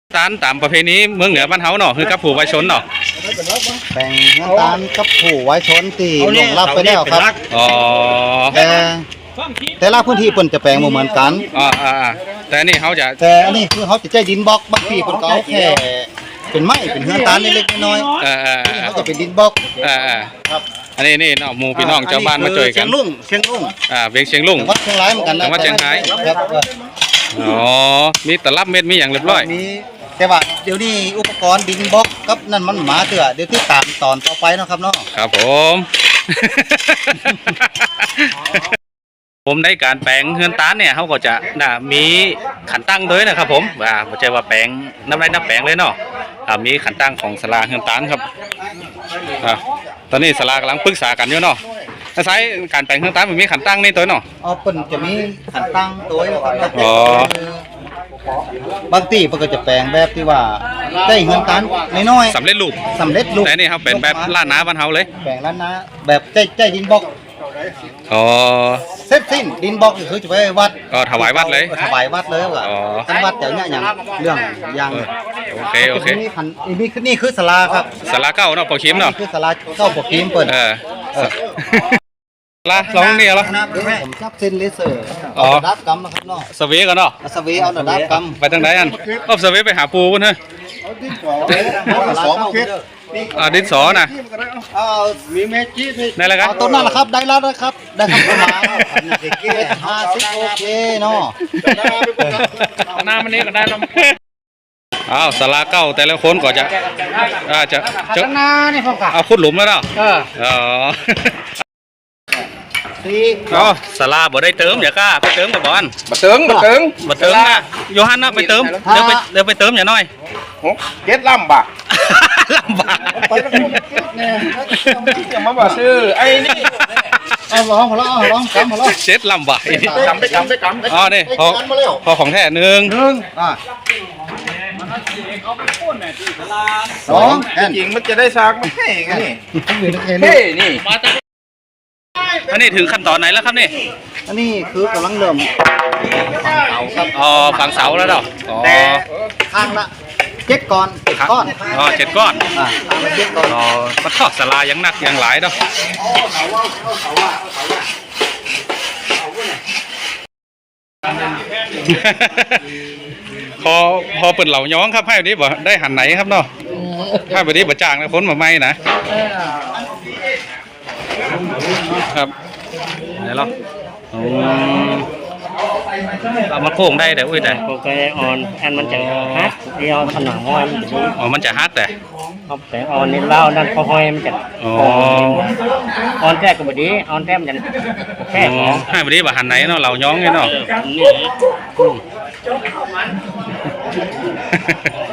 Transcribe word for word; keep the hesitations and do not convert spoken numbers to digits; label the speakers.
Speaker 1: ตาลตามประเพณีเมืองเหนือบ้านเฮาเนาะคือกับผู้ไว้ชนเนาะ
Speaker 2: แบ่งน้ำตาลกับผู้ไว้ชนตีลงรับไปแล้วครับ
Speaker 1: อ๋อ
Speaker 2: แต่แต่ละพื้นที่เพิ่นจะแปลงบ่เหมือนกัน
Speaker 1: อ๋ออ่าแต่นี่เขาจะ
Speaker 2: แต่อันนี้คือเขาจะใจดินบล็อกบางทีเพิ่นก็เอาแค่เป็นไม้เป็นเฮือนตาลเล็กๆน้อย
Speaker 1: ๆเออ
Speaker 2: ๆเขาจะเป็นดินบล็อก
Speaker 1: เออ
Speaker 2: ครับ
Speaker 1: อันนี้นี่เนาะหมู่พี่น้องชาวบ้านมาช่วยกัน
Speaker 2: เชียงลุงเชียงลุง
Speaker 1: อ่าเวียงเชียงลุง
Speaker 2: วัดเชียงรายเหมือนกันนะ
Speaker 1: วัดเชียงราย
Speaker 2: ครับ
Speaker 1: อ๋อมีตลับเม็ดมีอย่างเรียบร้อย
Speaker 2: มีแต่ว่าเดี๋ยวนี้อุปกรณ์ดินบล็อกกับนั่นมันหมาเถื่อเดี๋ยวที่ตามตอนต่อไปเนาะครับเนาะ
Speaker 1: ครับผม ผมในการแปลงเฮือนตาลเนี่ยเขาก็จะนะมีขันตั้งด้วยนะครับผมว่าไม่ใช่ว่าแปลงน้ำไรน้ำแปลงเลยเนาะมีขันตั้งของสลาเฮือนตาลครับตอนนี้สลากำลังปรึกษากันอยู่เนาะถ้าใช้การแปลงเฮือนตาลมันมีขันตั้งนี่ตัวเนาะ
Speaker 2: อ๋อเปิ่นจะมีขันตั้งตัวนะครับ
Speaker 1: อ๋
Speaker 2: อบางทีเพิ่นก็จะแปลงแบบที่ว่าได้เงินตันน้อย
Speaker 1: ๆสำเร็จรูป
Speaker 2: สำเร็จรูป
Speaker 1: แต่นี่ครับเป็นแบบล้านนาบ้านเฮาเลย
Speaker 2: แปลงล้านนาแบบใจใจดินบล็อก
Speaker 1: อ๋อ
Speaker 2: เสร็จสิ้นดินบล็อกก็คือจะไปวัด
Speaker 1: ก็ถวายวัดเลย
Speaker 2: ถวายวัดเลยว่ะท่านวัดเดี๋ยวนี้อย่างเรื่องอย่าง
Speaker 1: โอเคโอเค
Speaker 2: นี่ขันนี่คือนี่คือศาลาครับ
Speaker 1: ศาลาเก้าเนาะปอคิมเนาะ
Speaker 2: คือศาลาเก้าปอคิมเปิด
Speaker 1: เออลาลองเนี่ยเหรอ
Speaker 2: ผมจับเส้นเลเซอร์อ๋อดับกำนะครับเนาะ
Speaker 1: สวีกันเนาะ
Speaker 2: สวีเอาดับก
Speaker 1: ำไปทางไหนอันก็สวีไปหาปูกันเถอะอ่าดินสอนะได้แล้วกัน
Speaker 2: ต้นนั่นแหละครับได้แล้วนะครับได้ครับประมาณห้าสิบโอเคเนาะ
Speaker 1: หน้ามันนี้ก็ได้แล้วอ้าวสาราเก้าแต่ละคนก็จะอาจะจะเอาขุดหลุมแล้วเนาะอ๋ออ๋อสาราบ่ได้เติมอย่ากล้าไปเติมกับบอล
Speaker 3: บ่เติมบ่เติม
Speaker 1: บ่เติมนะโยฮันนะไปเติมเดี๋ยวไปเดี๋ยวไปเติมอย่าน้อย
Speaker 3: เก็ดลำบาก
Speaker 1: ลำบาก
Speaker 3: จะมาบอกซื้อไอ้นี่
Speaker 2: เอาลองมาลองลองกำมาลอง
Speaker 1: เช็ดลำบาก
Speaker 3: กำไปกำไปกำ
Speaker 1: อ๋อนี่พอพอของแท้หนึ่ง
Speaker 2: หนึ่งอ่า
Speaker 3: สองจริงมันจะได้ซากไม่ให้ไงนี่เฮ้นี่
Speaker 1: อันนี้ถึงขั้นตอนไหนแล้วครับนี่
Speaker 2: อันนี้คือกำลังเริ่มฝังเสาครับ
Speaker 1: อ๋อฝังเสาแล้วเนาะ
Speaker 2: แต่ข้างละเจ็ดก้อนเจ็ดก้อน
Speaker 1: อ๋อเจ็ดก้อน
Speaker 2: อ่าเจ็ดก้อน
Speaker 1: อ๋อมันทอดสลายังหนักยังหลายเนาะพอพอเปิดเหล่าย้องครับให้วันนี้บ่ได้หันไหนครับเนาะให้วันนี้บ่จ้างนะพ้นมาไม่นะครับไหนล่ะเรามาโค้งได้แต่อุ้ยแต่
Speaker 4: โอเคออนอันมันจะฮักเดียวผนังห้อยมันจะ
Speaker 1: อ๋อมันจะฮักแต่
Speaker 4: เอาแต่ออนนี่เล่านั่นพอห้อยมันจะ
Speaker 1: อ๋อ
Speaker 4: ออนแท้ก็บดีออนแท้มันจะแค่
Speaker 1: ให้วันนี้บ่หันไหนเนาะเราย้องไงเนาะ